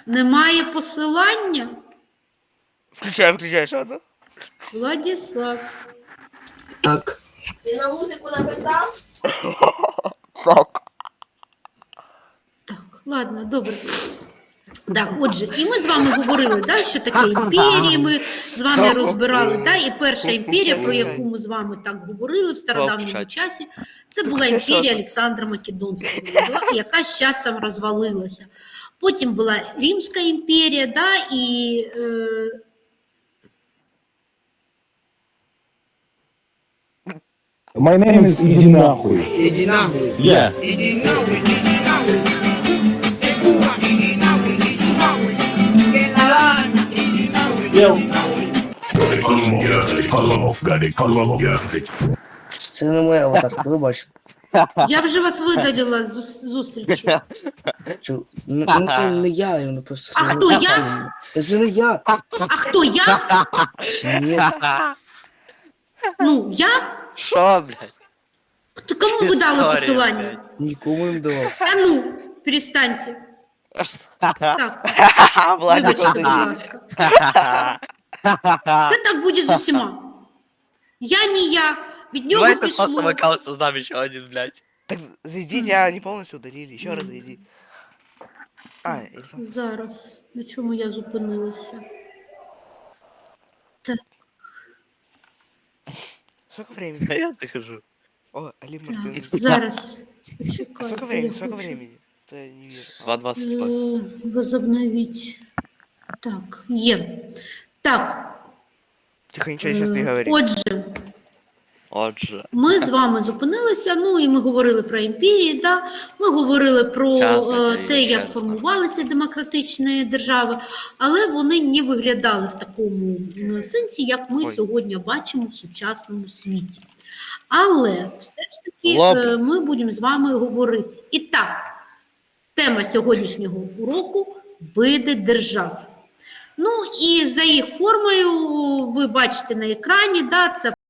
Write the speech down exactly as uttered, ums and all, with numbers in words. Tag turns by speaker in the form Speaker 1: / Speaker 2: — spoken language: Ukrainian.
Speaker 1: Немає посилання?
Speaker 2: Включай, включай, що там?
Speaker 1: Владислав.
Speaker 3: Так.
Speaker 4: Ти на музику написав?
Speaker 2: Так.
Speaker 1: Так, ладно, добре. Так, отже, і ми з вами говорили, да, що таке імперії, ми з вами розбирали, да, і перша імперія, про яку ми з вами так говорили в стародавньому часі, це була імперія Олександра Македонського, яка з часом розвалилася. Потім була Римська імперія, да, і... Е...
Speaker 5: My name is Иди нахуй.
Speaker 3: Іди нахуй.
Speaker 5: Yeah.
Speaker 3: Це не моя аватарка, ви бачите.
Speaker 1: Я вже вас видалила з зус- зустрічі.
Speaker 3: Чу- Ну ну, це не я, я просто...
Speaker 1: А хто, я?
Speaker 3: Це не я.
Speaker 1: А хто я?
Speaker 3: Ні.
Speaker 1: Ну, я?
Speaker 2: Що, блядь?
Speaker 1: Хто- Кому ви дали
Speaker 2: Історія,
Speaker 1: посилання?
Speaker 2: блядь.
Speaker 3: Нікому не давав.
Speaker 1: А ну, перестаньте. Так,
Speaker 2: Владик,
Speaker 1: вибачте,
Speaker 2: ти-
Speaker 1: будь ласка. Це так буде з усіма. Я не я. Від нього
Speaker 6: Давайте просто
Speaker 1: пішло.
Speaker 6: аккаунт создам еще один, блядь.
Speaker 2: Так зайдите, а не полностью удалили. Еще раз зайди. А, Александр.
Speaker 1: Зараз. На чому я зупинилася? Так,
Speaker 2: Сколько времени?
Speaker 6: Я дохожу.
Speaker 2: О, Али
Speaker 1: так,
Speaker 2: Мартин.
Speaker 1: зараз.
Speaker 2: А
Speaker 1: Почекайте,
Speaker 2: сколько
Speaker 1: я
Speaker 2: времени? Сколько
Speaker 1: хочу,
Speaker 2: времени? То я не вижу.
Speaker 6: два двадцать два.
Speaker 1: е, Возобновіть. Так, є. Так,
Speaker 2: Тихо, ничего сейчас не
Speaker 1: е,
Speaker 2: говори.
Speaker 1: отже,
Speaker 6: Отже.
Speaker 1: ми з вами зупинилися, ну і ми говорили про імперії, да? Ми говорили про
Speaker 6: Час,
Speaker 1: е,
Speaker 6: Василь,
Speaker 1: те, як
Speaker 6: час.
Speaker 1: формувалися демократичні держави, але вони не виглядали в такому м, сенсі, як ми
Speaker 2: Ой.
Speaker 1: сьогодні бачимо в сучасному світі. Але все ж таки
Speaker 6: Лоб.
Speaker 1: е, ми будемо з вами говорити. І так, тема сьогоднішнього уроку – види держав. Ну і за їх формою ви бачите на екрані, да, це